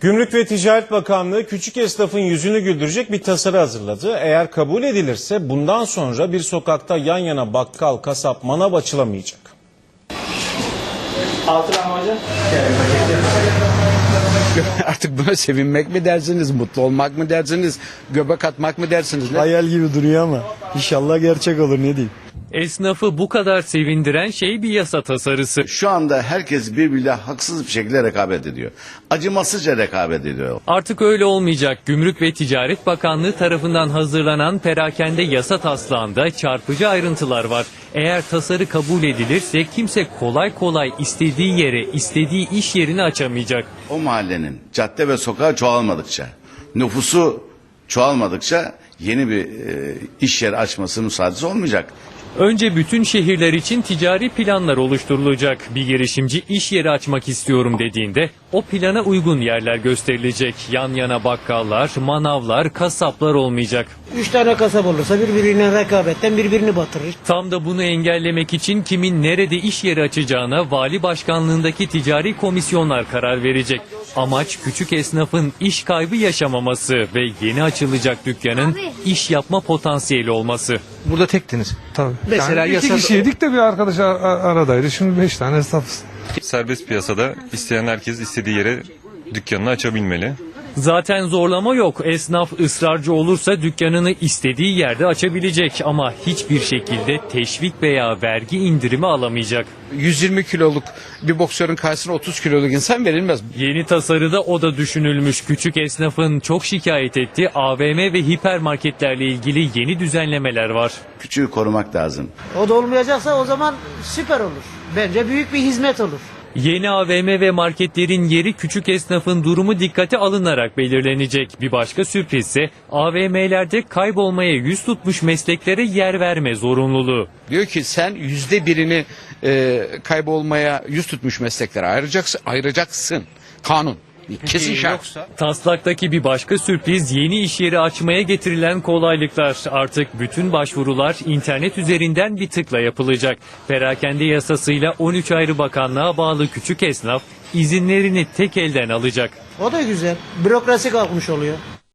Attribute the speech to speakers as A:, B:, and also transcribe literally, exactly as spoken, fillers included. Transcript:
A: Gümrük ve Ticaret Bakanlığı küçük esnafın yüzünü güldürecek bir tasarı hazırladı. Eğer kabul edilirse bundan sonra bir sokakta yan yana bakkal, kasap, manav açılamayacak.
B: Altı lahmacun.
C: Artık buna sevinmek mi dersiniz, mutlu olmak mı dersiniz, göbek atmak mı dersiniz? Ne?
D: Hayal gibi duruyor ama inşallah gerçek olur, ne diyeyim.
E: Esnafı bu kadar sevindiren şey bir yasa tasarısı.
F: Şu anda herkes birbiriyle haksız bir şekilde rekabet ediyor. Acımasızca rekabet ediyor.
E: Artık öyle olmayacak. Gümrük ve Ticaret Bakanlığı tarafından hazırlanan perakende yasa taslağında çarpıcı ayrıntılar var. Eğer tasarı kabul edilirse kimse kolay kolay istediği yere, istediği iş yerini açamayacak.
F: O mahallenin cadde ve sokağı çoğalmadıkça, nüfusu çoğalmadıkça yeni bir e, iş yeri açması müsaadesi olmayacak.
E: Önce bütün şehirler için ticari planlar oluşturulacak. Bir girişimci iş yeri açmak istiyorum dediğinde o plana uygun yerler gösterilecek. Yan yana bakkallar, manavlar, kasaplar olmayacak.
G: Üç tane kasap olursa birbirine rekabetten birbirini batırır.
E: Tam da bunu engellemek için kimin nerede iş yeri açacağına vali başkanlığındaki ticari komisyonlar karar verecek. Amaç küçük esnafın iş kaybı yaşamaması ve yeni açılacak dükkanın iş yapma potansiyeli olması.
H: Burada tektiniz.
D: Tabii.
H: Mesela
D: yani iki
H: yasada...
D: kişiydik de bir arkadaş aradaydı. Şimdi beş tane esnafız.
I: Serbest piyasada isteyen herkes istediği yere dükkanını açabilmeli.
E: Zaten zorlama yok. Esnaf ısrarcı olursa dükkanını istediği yerde açabilecek ama hiçbir şekilde teşvik veya vergi indirimi alamayacak.
C: yüz yirmi kiloluk bir boksörün karşısına otuz kiloluk insan verilmez.
E: Yeni tasarıda o da düşünülmüş. Küçük esnafın çok şikayet ettiği A V M ve hipermarketlerle ilgili yeni düzenlemeler var.
F: Küçüğü korumak lazım.
G: O da olmayacaksa o zaman süper olur. Bence büyük bir hizmet olur.
E: Yeni A V M ve marketlerin yeri küçük esnafın durumu dikkate alınarak belirlenecek. Bir başka sürpriz ise A V M'lerde kaybolmaya yüz tutmuş mesleklere yer verme zorunluluğu.
C: Diyor ki sen yüzde birini e, kaybolmaya yüz tutmuş mesleklere ayıracaksın. ayıracaksın. Kanun. Kesin şart.
E: Taslaktaki bir başka sürpriz yeni iş yeri açmaya getirilen kolaylıklar. Artık bütün başvurular internet üzerinden bir tıkla yapılacak. Perakende yasasıyla on üç ayrı bakanlığa bağlı küçük esnaf izinlerini tek elden alacak.
G: O da güzel. Bürokrasi kalkmış oluyor.